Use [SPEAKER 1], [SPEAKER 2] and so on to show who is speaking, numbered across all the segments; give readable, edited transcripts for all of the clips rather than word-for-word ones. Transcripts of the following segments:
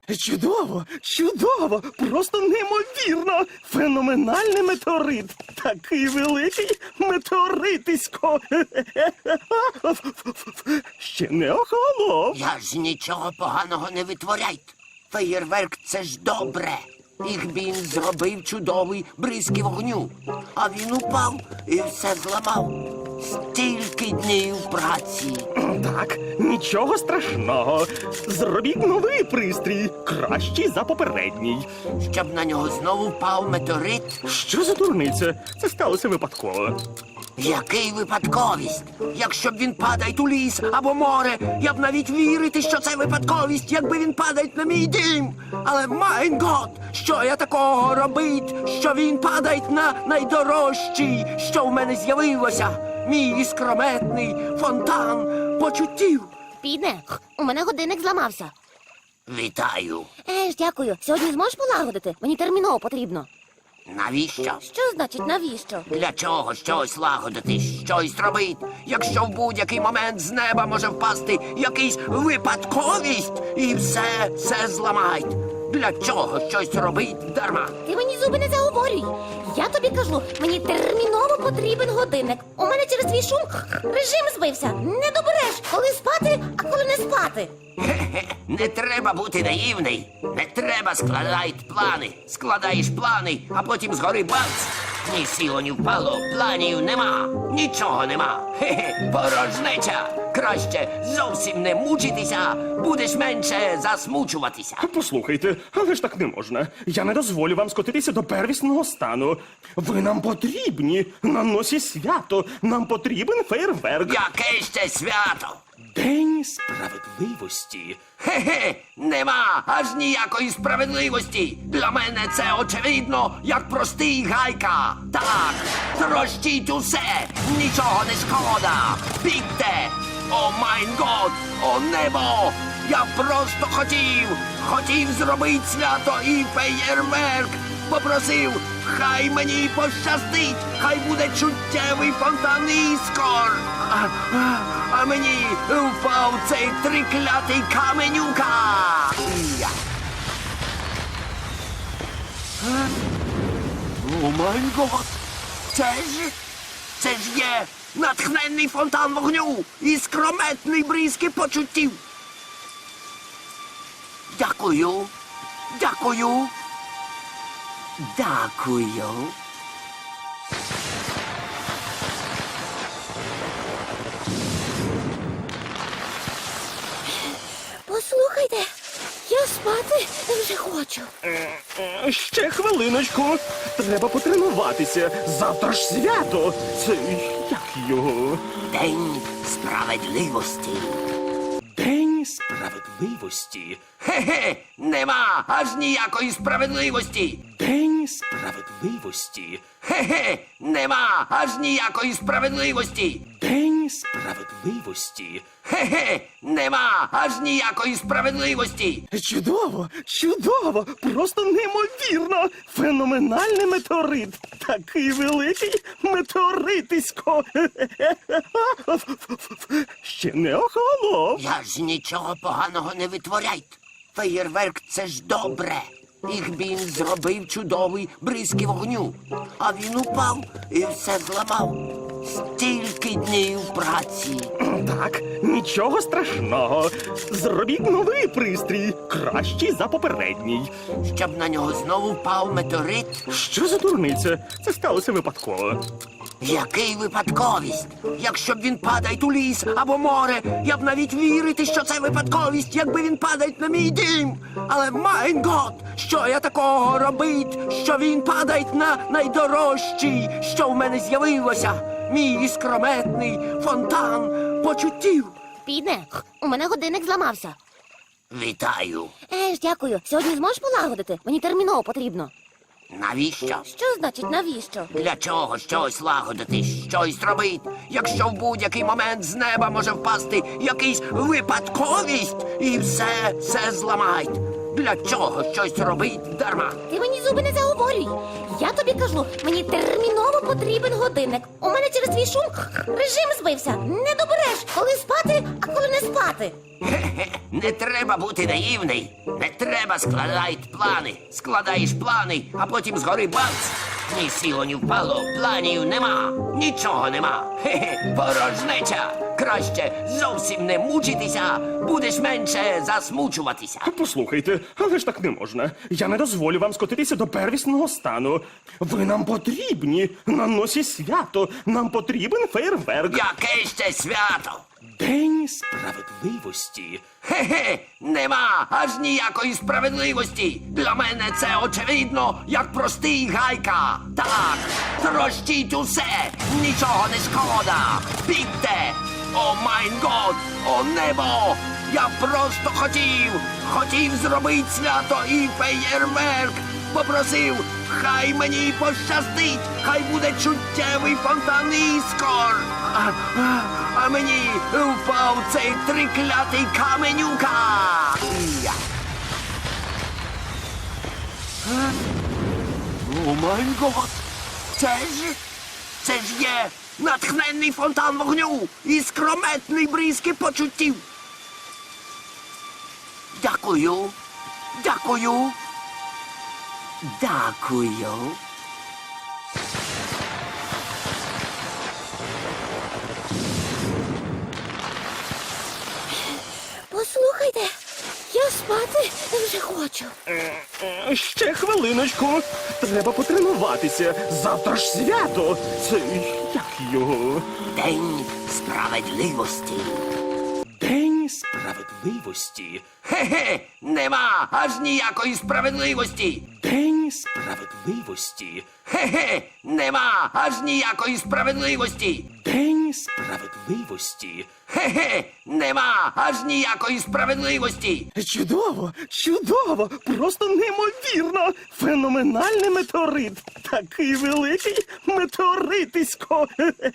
[SPEAKER 1] Чудово, чудово, просто неймовірно. Феноменальний метеорит. Такий великий метеоритисько. Ще не охолонув.
[SPEAKER 2] Я ж нічого поганого не витворяйте. Феєрверк – це ж добре. Їх він зробив чудовий бризки вогню. А він упав і все зламав. Стільки днів праці.
[SPEAKER 1] Так, нічого страшного. Зробіть новий пристрій, кращий за попередній.
[SPEAKER 2] Щоб на нього знову впав метеорит.
[SPEAKER 1] Що за дурниця? Це сталося випадково.
[SPEAKER 2] Який випадковість? Якщо б він падає у ліс або море, я б навіть вірити, що це випадковість, якби він падає на мій дім. Але, майн гот, що я такого робить, що він падає на найдорожчий, що в мене з'явилося? Мій іскрометний фонтан почуттів.
[SPEAKER 3] Підне, у мене годинник зламався.
[SPEAKER 2] Вітаю.
[SPEAKER 3] Дякую. Сьогодні зможеш полагодити? Мені терміново потрібно.
[SPEAKER 2] Навіщо?
[SPEAKER 3] Що значить навіщо?
[SPEAKER 2] Для чого щось лагодити, щось робити, якщо в будь-який момент з неба може впасти якийсь випадковість і все зламають? Для чого щось робити дарма?
[SPEAKER 3] Ти мені зуби не заговорюй. Я тобі кажу, мені терміново потрібен годинник. У мене через твій шум режим збився. Не добереш, коли спати, а коли не спати.
[SPEAKER 2] Не треба бути наївний. Не треба складати плани. Складаєш плани, а потім згори бац. Ні сіло, ні впало, планів нема. Нічого нема. Порожнеча. Краще зовсім не мучитися, будеш менше засмучуватися.
[SPEAKER 1] Послухайте, але ж так не можна. Я не дозволю вам скотитися до первісного стану. Ви нам потрібні. На носі свято. Нам потрібен фейерверк.
[SPEAKER 2] Яке ще свято?
[SPEAKER 1] День справедливості.
[SPEAKER 2] Нема аж ніякої справедливості. Для мене це очевидно, як простий гайка. Так, трощіть усе, нічого не шкода. Бігте! О майн год, о небо! Я просто хотів зробити свято і феєрверк. Попросив, хай мені пощастить, хай буде чуттєвий фонтан іскор. А мені впав цей триклятий каменюка. О май гот! Це ж є натхненний фонтан вогню і скрометний бризки почуттів. Дякую. Дякую. Дякую.
[SPEAKER 3] Послухайте, я спати вже хочу.
[SPEAKER 1] Ще хвилиночку. Треба потренуватися. Завтра ж свято. Це як його?
[SPEAKER 2] День справедливості.
[SPEAKER 1] День справедливості.
[SPEAKER 2] Нема аж ніякої справедливості.
[SPEAKER 1] День справедливості.
[SPEAKER 2] Нема аж ніякої справедливості.
[SPEAKER 1] День справедливості.
[SPEAKER 2] Нема аж ніякої справедливості.
[SPEAKER 1] Чудово, чудово, просто неймовірно. Феноменальний метеорит. Такий великий метеоритисько. Ще не охолонув.
[SPEAKER 2] Я ж нічого поганого не витворяйте. Феєрверк – це ж добре. Їх він зробив чудовий бризки вогню. А він упав і все зламав. Стільки днів праці.
[SPEAKER 1] Так, нічого страшного. Зробіть новий пристрій, кращий за попередній.
[SPEAKER 2] Щоб на нього знову впав метеорит.
[SPEAKER 1] Що за дурниця? Це сталося випадково.
[SPEAKER 2] Який випадковість? Якщо б він падає у ліс або море, я б навіть вірити, що це випадковість, якби він падає на мій дім. Але, майн гот, що я такого робить, що він падає на найдорожчий, що в мене з'явилося? Мій іскрометний фонтан почуттів.
[SPEAKER 3] Підне, у мене годинник зламався.
[SPEAKER 2] Вітаю.
[SPEAKER 3] Дякую. Сьогодні зможеш полагодити? Мені терміново потрібно.
[SPEAKER 2] Навіщо?
[SPEAKER 3] Що значить навіщо?
[SPEAKER 2] Для чого щось лагодити, щось робити, якщо в будь-який момент з неба може впасти якийсь випадковість і все зламають? Для чого щось робить дарма?
[SPEAKER 3] Ти мені зуби не заговорюй. Я тобі кажу, мені терміново потрібен годинник. У мене через твій шум режим збився. Не добереш, коли спати, а коли не спати. спати.
[SPEAKER 2] Хе-хе, не треба бути наївний. Не треба складати плани. Складаєш плани, а потім згори бац. Ні сіло, ні впало, планів нема, нічого нема. Хе-хе, порожнеча. Краще зовсім не мучитися, будеш менше засмучуватися.
[SPEAKER 1] Послухайте, але ж так не можна. Я не дозволю вам скотитися до первісного стану. Ви нам потрібні на носі свято. Нам потрібен фейерверк.
[SPEAKER 2] Яке ще свято?
[SPEAKER 1] День справедливості.
[SPEAKER 2] Хе-хе, нема аж ніякої справедливості. Для мене це очевидно, як простий гайка. Так, трощіть усе, нічого не шкода. Бігте! О майн год, о небо! Я просто хотів зробити свято і феєрверк. Попросив, хай мені пощастить, хай буде чуттєвий фонтан іскор. А мені впав цей триклятий каменюка. Я. О май гот! Це ж є натхненний фонтан вогню і скрометний бризки почуттів. Дякую. Дякую. Дякую.
[SPEAKER 3] Послухайте, я спати вже хочу.
[SPEAKER 1] Ще хвилиночку. Треба потренуватися. Завтра ж свято. Це як його?
[SPEAKER 2] День справедливості.
[SPEAKER 1] День справедливості.
[SPEAKER 2] Хе-хе, нема аж ніякої справедливості.
[SPEAKER 1] День справедливості.
[SPEAKER 2] Хе-хе, нема аж ніякої справедливості.
[SPEAKER 1] День справедливості.
[SPEAKER 2] Хе-хе, нема аж ніякої справедливості.
[SPEAKER 1] Чудово, чудово, просто неймовірно. Феноменальний метеорит. Такий великий метеоритисько.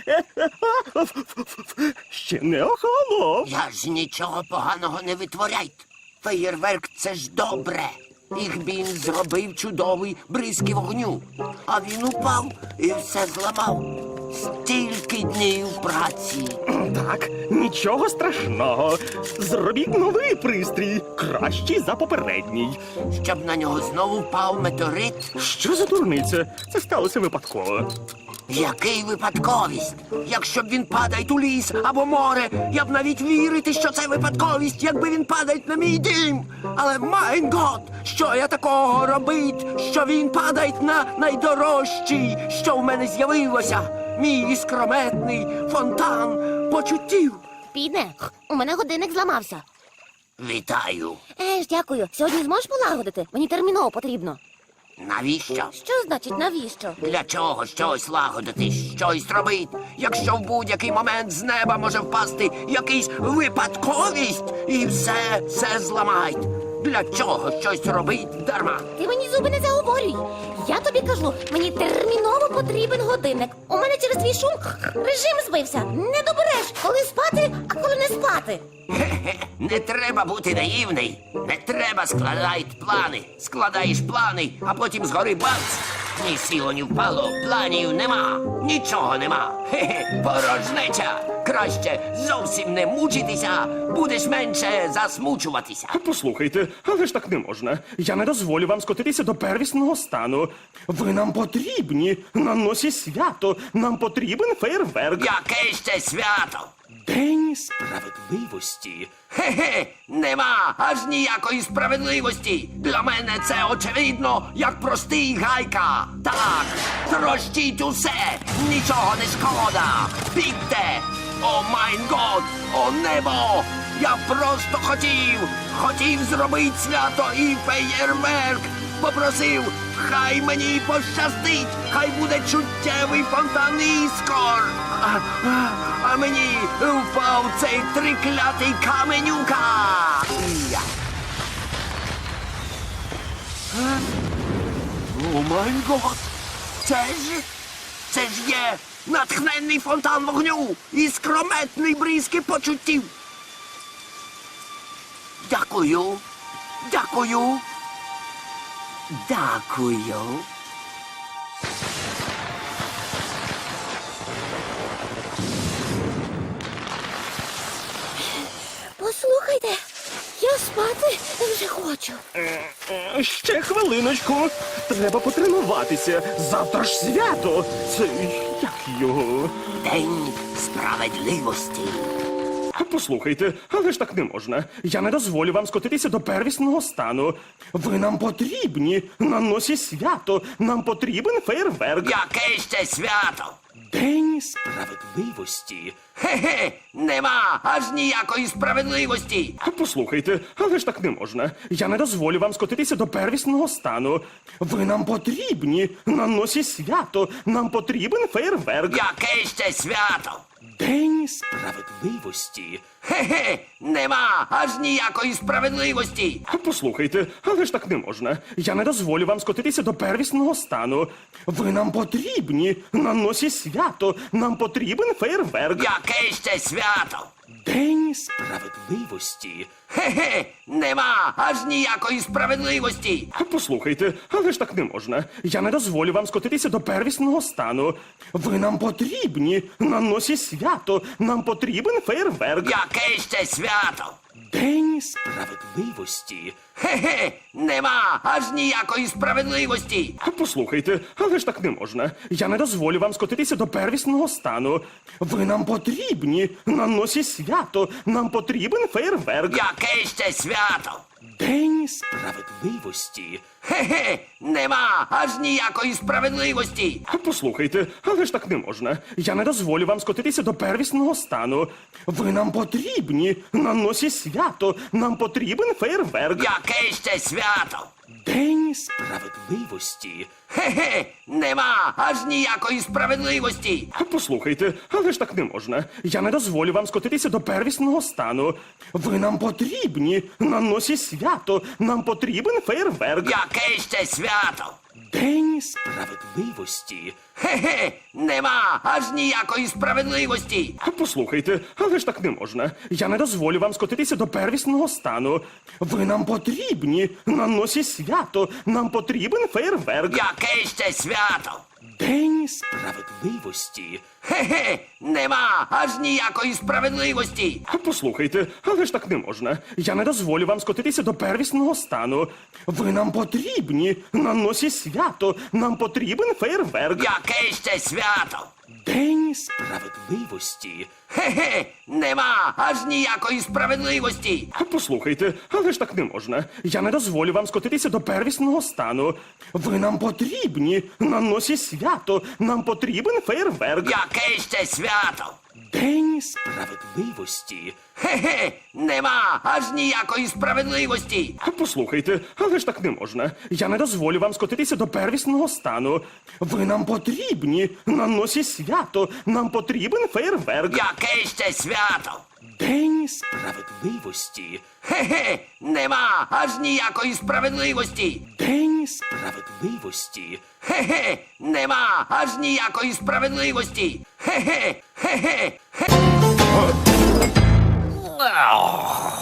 [SPEAKER 1] Ще не охолонув.
[SPEAKER 2] Я ж нічого поганого не витворяйте. Феєрверк — це ж добре. Їх він зробив чудовий бризки вогню. А він упав і все зламав. Стільки днів праці.
[SPEAKER 1] Так, нічого страшного. Зробіть новий пристрій, кращий за попередній.
[SPEAKER 2] Щоб на нього знову впав метеорит.
[SPEAKER 1] Що за дурниця? Це сталося випадково.
[SPEAKER 2] Який випадковість? Якщо б він падає у ліс або море, я б навіть вірити, що це випадковість, якби він падає на мій дім. Але майн гот, що я такого робить, що він падає на найдорожчий, що в мене з'явилося. Мій іскрометний фонтан почуттів.
[SPEAKER 3] Підне, у мене годинник зламався.
[SPEAKER 2] Вітаю.
[SPEAKER 3] Дякую. Сьогодні зможеш полагодити? Мені терміново потрібно.
[SPEAKER 2] Навіщо?
[SPEAKER 3] Що значить навіщо?
[SPEAKER 2] Для чого щось лагодити, щось робити, якщо в будь-який момент з неба може впасти якийсь випадковість і все зламають? Для чого щось робить дарма?
[SPEAKER 3] Ти мені зуби не заговорюй. Я тобі кажу, мені терміново потрібен годинник. У мене через твій шум режим збився. Не добереш, коли спати, а коли не спати.
[SPEAKER 2] Хе-хе, не треба бути наївний. Не треба складати плани. Складаєш плани, а потім згори бац. Ні сіло, ні впало, планів нема, нічого нема. Хе-хе, порожнеча. Краще зовсім не мучитися, будеш менше засмучуватися.
[SPEAKER 1] Послухайте, але ж так не можна. Я не дозволю вам скотитися до первісного стану. Ви нам потрібні на носі свято. Нам потрібен фейерверк.
[SPEAKER 2] Яке ще свято?
[SPEAKER 1] День справедливості.
[SPEAKER 2] Хе-хе, нема аж ніякої справедливості. Для мене це очевидно, як простий гайка. Так, трощіть усе, нічого не шкода. Бігте! О майн год, о небо! Я просто хотів зробити свято і феєрверк. Попросив, хай мені пощастить, хай буде чуттєвий фонтан іскор. А мені впав цей триклятий каменюка. Я. О май гот! Це ж є натхненний фонтан вогню і скрометний бризки почуттів. Дякую. Дякую. Дякую.
[SPEAKER 3] Послухайте, я спати вже хочу.
[SPEAKER 1] Ще хвилиночку. Треба потренуватися. Завтра ж свято. Це як його?
[SPEAKER 2] День справедливості.
[SPEAKER 1] Послухайте, але ж так не можна. Я не дозволю вам скотитися до первісного стану. Ви нам потрібні. На носі свято. Нам потрібен фейерверк.
[SPEAKER 2] Яке ще свято?
[SPEAKER 1] День
[SPEAKER 2] Справедливості? Хе-хе, нема аж ніякої справедливості.
[SPEAKER 1] Послухайте, але ж так не можна. Я не дозволю вам скотитися до первісного стану. Ви нам потрібні. На носі свято. Нам потрібен фейерверк.
[SPEAKER 2] Яке ще свято?
[SPEAKER 1] День
[SPEAKER 2] Справедливості? Хе-хе, нема аж ніякої справедливості.
[SPEAKER 1] Послухайте, але ж так не можна. Я не дозволю вам скотитися до первісного стану. Ви нам потрібні. На носі свято. Нам потрібен фейерверк.
[SPEAKER 2] Яке ще свято?
[SPEAKER 1] День
[SPEAKER 2] Справедливості? Хе-хе, нема аж ніякої справедливості.
[SPEAKER 1] Послухайте, але ж так не можна. Я не дозволю вам скотитися до первісного стану. Ви нам потрібні. На носі свято. Нам потрібен фейерверк.
[SPEAKER 2] Яке ще свято?
[SPEAKER 1] День
[SPEAKER 2] Справедливості? Хе-хе, нема аж ніякої справедливості.
[SPEAKER 1] Послухайте, але ж так не можна. Я не дозволю вам скотитися до первісного стану. Ви нам потрібні. На носі свято. Нам потрібен фейерверк.
[SPEAKER 2] Яке ще свято?
[SPEAKER 1] День
[SPEAKER 2] Справедливості? Хе-хе, нема аж ніякої справедливості.
[SPEAKER 1] Послухайте, але ж так не можна. Я не дозволю вам скотитися до первісного стану. Ви нам потрібні. На носі свято. Нам потрібен фейерверк.
[SPEAKER 2] Яке ще свято?
[SPEAKER 1] День
[SPEAKER 2] Справедливості? Хе-хе, нема аж ніякої справедливості.
[SPEAKER 1] Послухайте, але ж так не можна. Я не дозволю вам скотитися до первісного стану. Ви нам потрібні. На носі свято. Нам потрібен фейерверк.
[SPEAKER 2] Яке ще свято?
[SPEAKER 1] День
[SPEAKER 2] Справедливості? Хе-хе, нема аж ніякої справедливості.
[SPEAKER 1] Послухайте, але ж так не можна. Я не дозволю вам скотитися до первісного стану. Ви нам потрібні. На носі свято. Нам потрібен фейерверк.
[SPEAKER 2] Яке ще свято?
[SPEAKER 1] День
[SPEAKER 2] Справедливості? Хе-хе, нема аж ніякої справедливості.
[SPEAKER 1] Послухайте, але ж так не можна. Я не дозволю вам скотитися до первісного стану. Ви нам потрібні. На носі свято. Нам потрібен фейерверк.
[SPEAKER 2] Яке ще свято?
[SPEAKER 1] День
[SPEAKER 2] Справедливості? Хе-хе, нема аж ніякої справедливості.
[SPEAKER 1] Послухайте, але ж так не можна. Я не дозволю вам скотитися до первісного стану. Ви нам потрібні. На носі свято. Нам потрібен фейерверк.
[SPEAKER 2] Яке ще свято?
[SPEAKER 1] День
[SPEAKER 2] Справедливості? Хе-хе, нема аж ніякої справедливості.
[SPEAKER 1] Послухайте, але ж так не можна. Я не дозволю вам скотитися до первісного стану. Ви нам потрібні. На носі свято. Нам потрібен фейерверк.
[SPEAKER 2] Яке ще свято?
[SPEAKER 1] День
[SPEAKER 2] Справедливості? Хе-хе, нема аж ніякої справедливості.
[SPEAKER 1] День
[SPEAKER 2] Справедливості? Хе-хе, нема аж ніякої справедливості. Хе-хе, хе-хе, хе.